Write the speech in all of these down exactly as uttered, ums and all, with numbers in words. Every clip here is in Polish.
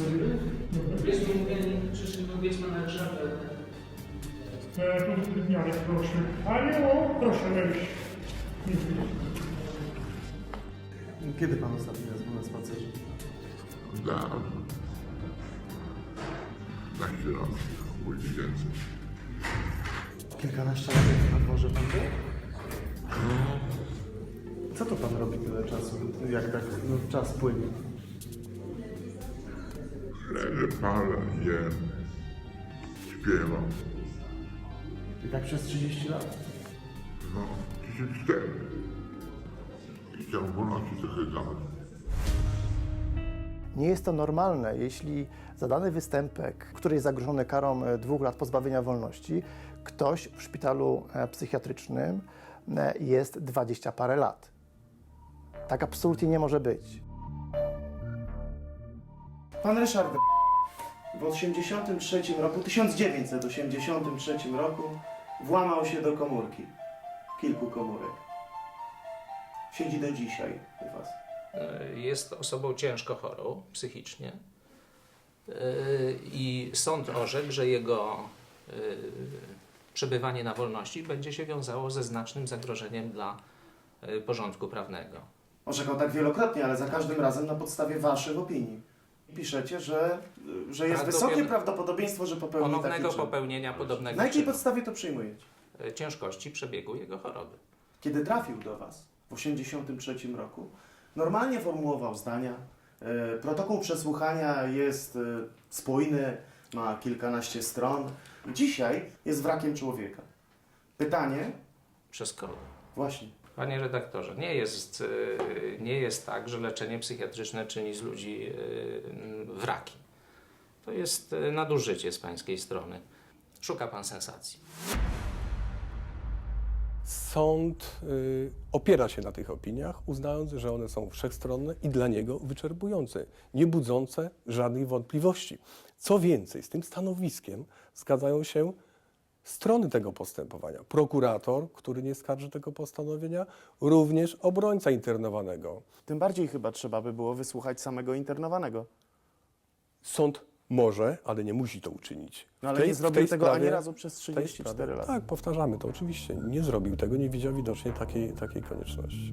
Jest mi mówienie, przyszli powiedz pana Ryszarda. Janek, proszę. Ale o, proszę wejść. Kiedy pan ostatni raz był na spacerze? Dawno. Naście lat, bądź więcej. Kilkanaście lat na dworze pan był? Co to pan robi tyle czasu, jak tak no, czas płynie? Leżę, palę, jem, śpiewam. I tak przez trzydzieści lat? No, tysiąc cztery. I chciałem wolności trochę dać. Nie jest to normalne, jeśli za dany występek, który jest zagrożony karą dwóch lat pozbawienia wolności, ktoś w szpitalu psychiatrycznym jest dwadzieścia parę lat. Tak absolutnie nie może być. Pan Ryszard w osiemdziesiątym trzecim roku, tysiąc dziewięćset osiemdziesiątym trzecim roku włamał się do komórki. Kilku komórek. Siedzi do dzisiaj u was. Jest osobą ciężko chorą psychicznie i sąd orzekł, że jego przebywanie na wolności będzie się wiązało ze znacznym zagrożeniem dla porządku prawnego. Orzekał tak wielokrotnie, ale za każdym razem na podstawie waszych opinii. Piszecie, że, że jest wysokie prawdopodobieństwo, że popełni taki Ponownego czyn. popełnienia podobnego Na jakiej czynu. podstawie to przyjmujecie? Ciężkości przebiegu jego choroby. Kiedy trafił do was w osiemdziesiątym trzecim roku, normalnie formułował zdania. E, protokół przesłuchania jest e, spójny, ma kilkanaście stron. Dzisiaj jest wrakiem człowieka. Pytanie? Przez kogo? Właśnie. Panie redaktorze, nie jest, y, nie jest tak, że leczenie psychiatryczne czyni z ludzi y, wraki. To jest y, nadużycie z pańskiej strony. Szuka pan sensacji. Sąd y, opiera się na tych opiniach, uznając, że one są wszechstronne i dla niego wyczerpujące, nie budzące żadnych wątpliwości. Co więcej, z tym stanowiskiem zgadzają się strony tego postępowania. Prokurator, który nie skarży tego postanowienia, również obrońca internowanego. Tym bardziej chyba trzeba by było wysłuchać samego internowanego. Sąd może, ale nie musi to uczynić. No ale W tej- nie w zrobił tej tego sprawie- ani razu przez w tej trzydzieści cztery sprawie- lata. Tak, powtarzamy to oczywiście. Nie zrobił tego, nie widział widocznie takiej, takiej konieczności.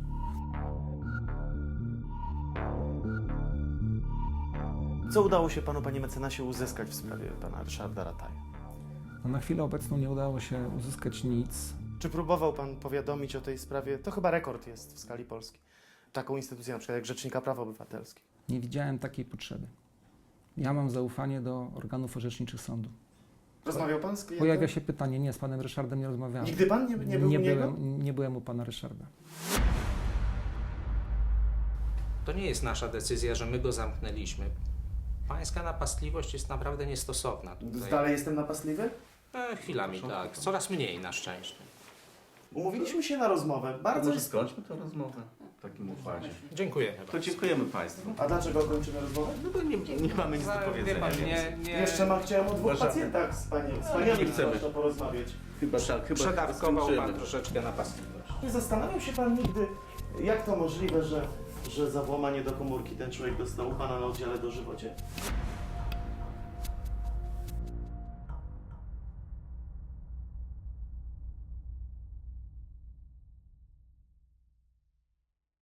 Co udało się panu, panie mecenasie, uzyskać w sprawie pana Ryszarda Rataja? No, na chwilę obecną nie udało się uzyskać nic. Czy próbował pan powiadomić o tej sprawie? To chyba rekord jest w skali Polski. Taką instytucję na przykład jak Rzecznika Praw Obywatelskich. Nie widziałem takiej potrzeby. Ja mam zaufanie do organów orzeczniczych sądu. Rozmawiał pan z klientem? Pojawia się pytanie, nie, z panem Ryszardem nie rozmawiałem. Nigdy pan nie, nie był nie u niego? byłem, nie byłem u pana Ryszarda. To nie jest nasza decyzja, że my go zamknęliśmy. Pańska napastliwość jest naprawdę niestosowna. Tutaj. Dalej jestem napastliwy? E, chwilami tak, coraz mniej na szczęście. Umówiliśmy się na rozmowę. Bardzo Może jest... skończmy tę rozmowę w takim układzie. Dziękuję. To dziękujemy Państwu. A dlaczego kończymy rozmowę? No bo nie, nie mamy nic do Wie powiedzenia. pan, więc nie, nie, Jeszcze mam, chciałem o dwóch Uważamy. pacjentach z panią, z nie paniami chcemy. zwłaszcza porozmawiać. Chyba, chyba przedawkował pan skończymy. troszeczkę napastliwość. Nie zastanawiał się pan nigdy, jak to możliwe, że, że za włamanie do komórki ten człowiek dostał u pana na oddziale dożywocie?